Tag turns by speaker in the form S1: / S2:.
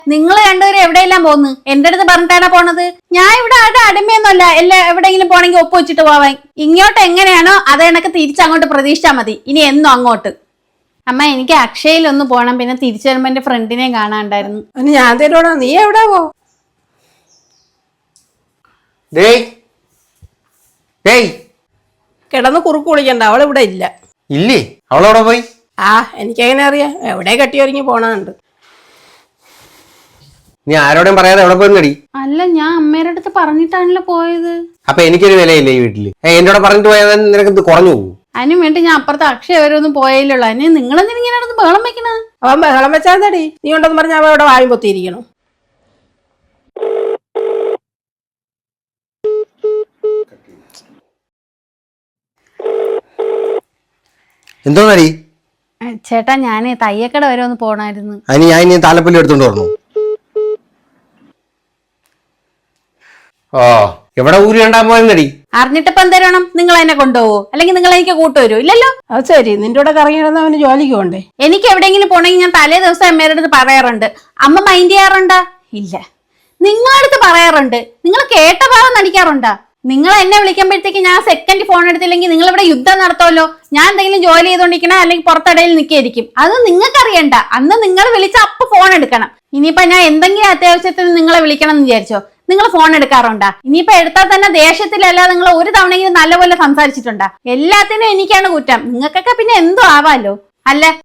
S1: നിങ്ങൾ രണ്ടുപേരും എവിടെയെല്ലാം പോന്ന്? എന്റെ അടുത്ത് പറഞ്ഞിട്ടാണ് പോണത്. ഞാൻ ഇവിടെ ആരുടെ അടിമയൊന്നുമല്ല. എവിടെയെങ്കിലും പോണെങ്കിൽ ഒപ്പ് വെച്ചിട്ട് പോവാൻ. ഇങ്ങോട്ട് എങ്ങനെയാണോ അത് എനക്ക് തിരിച്ചങ്ങോട്ട് പ്രതീക്ഷിച്ചാൽ മതി. ഇനി എന്നും അങ്ങോട്ട്. അമ്മ, എനിക്ക് അക്ഷയയിൽ ഒന്ന് പോണം. പിന്നെ തിരിച്ചു വരുമ്പോ എന്റെ ഫ്രണ്ടിനെ കാണാണ്ടായിരുന്നു.
S2: ഞാൻ തരുവാണോ? നീ എവിടെ പോ? കിടന്ന് കുറുക്ക് കുളിക്കണ്ട, അവളിവിടെ ഇല്ല.
S3: ഇല്ലേ? അവളവിടെ പോയി?
S2: എനിക്കെങ്ങനെ അറിയാം? എവിടെ കെട്ടിയൊരുങ്ങി പോണുണ്ട്.
S3: നീ ആരോടും പറയാതെ എവിടെ പോയി?
S1: അല്ല, ഞാൻ അമ്മയുടെ അടുത്ത് പറഞ്ഞിട്ടാണല്ലോ പോയത്.
S3: അപ്പൊ എനിക്കൊരു വിലയില്ലേ ഈ വീട്ടില്? എന്നോട് പറഞ്ഞിട്ട് പോയാൽ നിനക്ക് കുറഞ്ഞു പോകും.
S1: അതിനു വേണ്ടി ഞാൻ അപ്പുറത്തെ അക്ഷയ വരെ ഒന്നും പോയല്ലോ. അതിന് നിങ്ങളെന്തിനിങ്ങനെ നടന്ന് ബഹളം വെക്കണ?
S2: അവൻ ബഹളം വെച്ചാൽ തടി. നീ ഉണ്ടെന്ന് പറഞ്ഞ അവൻ അവിടെ വായും പൊത്തിയിരിക്കണം.
S3: എന്തോന്നടി?
S1: ചേട്ടാ, ഞാൻ തയ്യക്കട വരെ ഒന്ന് പോണായിരുന്നു.
S3: അതിന് ഞാൻ ഇനി താലപ്പല്ലി എടുത്തോണ്ട് വരണോ? എവിടെ ഊരി കണ്ടാൻ പോയെന്നടി?
S1: അറിഞ്ഞിട്ടിപ്പം തരണം. നിങ്ങൾ എന്നെ കൊണ്ടുപോവോ? അല്ലെങ്കിൽ നിങ്ങൾ എനിക്ക് കൂട്ടുവരുമോ? ഇല്ലല്ലോ.
S2: അത് ശരി, നിന്റെ കൂടെ കറങ്ങിയിരുന്ന അവന് ജോലിക്ക് പോണ്ടേ?
S1: എനിക്ക് എവിടെയെങ്കിലും പോണെങ്കിൽ ഞാൻ തലേ ദിവസം അമ്മയുടെ അടുത്ത് പറയാറുണ്ട്. അമ്മ മൈൻഡ് ചെയ്യാറുണ്ടാ? ഇല്ല. നിങ്ങളടുത്ത് പറയാറുണ്ട്. നിങ്ങൾ കേട്ട ഭാഗം നടിക്കാറുണ്ടാ? നിങ്ങൾ എന്നെ വിളിക്കുമ്പോഴത്തേക്ക് ഞാൻ സെക്കൻഡ് ഫോൺ എടുത്തില്ലെങ്കിൽ നിങ്ങൾ ഇവിടെ യുദ്ധം നടത്തുമല്ലോ. ഞാൻ എന്തെങ്കിലും ജോലി ചെയ്തോണ്ടിരിക്കണ അല്ലെങ്കിൽ പുറത്തിടയിൽ നിൽക്കായിരിക്കും. അത് നിങ്ങൾക്ക് അറിയണ്ട. അന്ന് നിങ്ങൾ വിളിച്ച അപ്പൊ ഫോൺ എടുക്കണം. ഇനിയിപ്പോ ഞാൻ എന്തെങ്കിലും അത്യാവശ്യത്തിന് നിങ്ങളെ വിളിക്കണം എന്ന് വിചാരിച്ചോ? നിങ്ങൾ ഫോൺ എടുക്കാറുണ്ടാ? ഇനിയിപ്പോ എടുത്താൽ തന്നെ ദേഷ്യത്തിലല്ല. നിങ്ങൾ ഒരു തവണയെങ്കിലും നല്ലപോലെ സംസാരിച്ചിട്ടുണ്ടാ? എല്ലാത്തിനും എനിക്കാണ് കുറ്റം. നിങ്ങൾക്കൊക്കെ പിന്നെ എന്തോ ആവാലോ. അല്ല,